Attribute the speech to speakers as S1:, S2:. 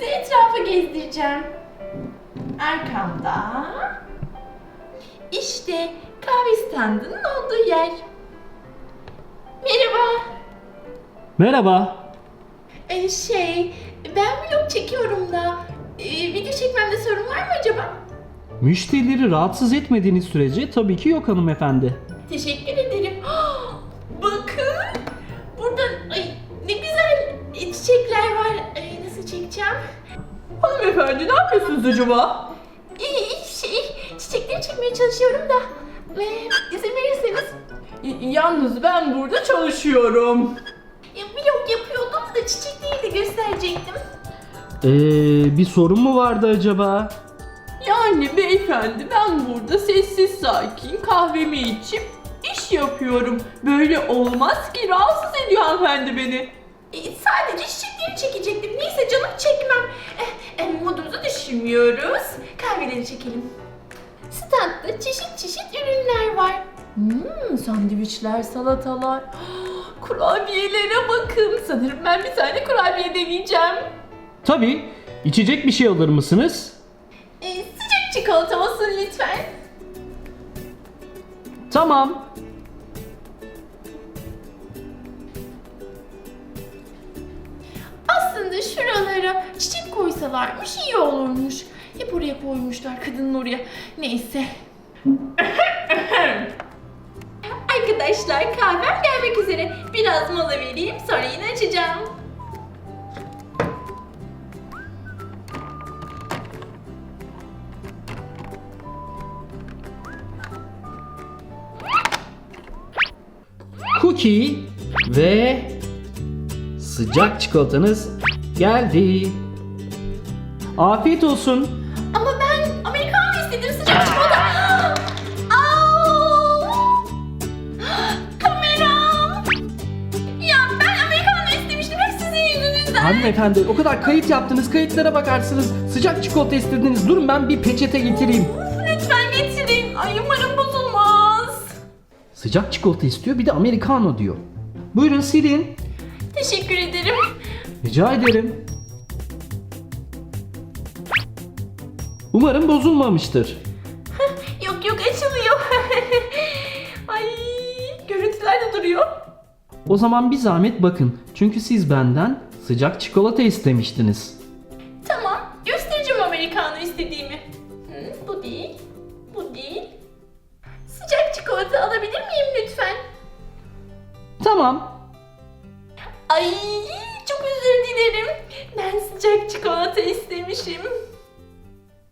S1: sizi etrafa gezdireceğim. Arkamda işte kahve standının olduğu yer. Merhaba.
S2: Merhaba.
S1: Ben vlog çekiyorum da video çekmemde sorun var mı acaba?
S2: Müşterileri rahatsız etmediğiniz sürece tabii ki yok hanımefendi.
S1: Teşekkür ederim. Bakın. Burada ne güzel çiçekler var. Nasıl çekeceğim?
S3: Hanımefendi ne yapıyorsunuz acaba?
S1: Çiçekleri çekmeye çalışıyorum da. İzin verirseniz.
S3: Yalnız ben burada çalışıyorum.
S1: Vlog yapıyordum da çiçekleri de gösterecektim.
S2: Bir sorun mu vardı acaba?
S3: Yani beyefendi ben burada sessiz sakin kahvemi içip iş yapıyorum. Böyle olmaz ki, rahatsız ediyor hanımefendi beni.
S1: Sadece çiçekleri çekecektim. Neyse canım, çekmem. Modumuzu düşürmüyoruz. Kahveleri çekelim. Standta çeşit çeşit ürünler var.
S3: Sandviçler, salatalar, kurabiyelere bakın. Sanırım ben bir tane kurabiye deneyeceğim.
S2: Tabii. İçecek bir şey alır mısınız?
S1: Sıcak çikolata olsun lütfen.
S2: Tamam.
S1: Aslında şuralara çiçek koysalarmış iyi olurmuş. Hep oraya koymuşlar, kadının oraya. Neyse. Arkadaşlar, kahvem gelmek üzere. Biraz mola vereyim, sonra yine açacağım.
S2: Cookie ve sıcak çikolatanız geldi. Afiyet olsun.
S1: Ama ben Amerikanlı istedim, sıcak çikolata. Au! Kameram! Ya ben Amerikanlı istemiştim, hep sizin yüzünüzden.
S2: Hanımefendi o kadar kayıt yaptınız, kayıtlara bakarsınız. Sıcak çikolata istediniz. Durun ben bir peçete getireyim.
S1: Lütfen getirin. Ay, umarım bozulmaz.
S2: Sıcak çikolata istiyor, bir de americano diyor. Buyurun silin.
S1: Teşekkür ederim.
S2: Rica ederim. Umarım bozulmamıştır.
S1: Yok açılıyor. Ay, görüntüler de duruyor.
S2: O zaman bir zahmet bakın. Çünkü siz benden sıcak çikolata istemiştiniz.
S1: Tamam, göstereceğim Amerikanı istediğimi. Bu değil, bu değil. Sıcak çikolata alabilir miyim lütfen?
S2: Tamam.
S1: Ay, çok özür dilerim. Ben sıcak çikolata istemişim.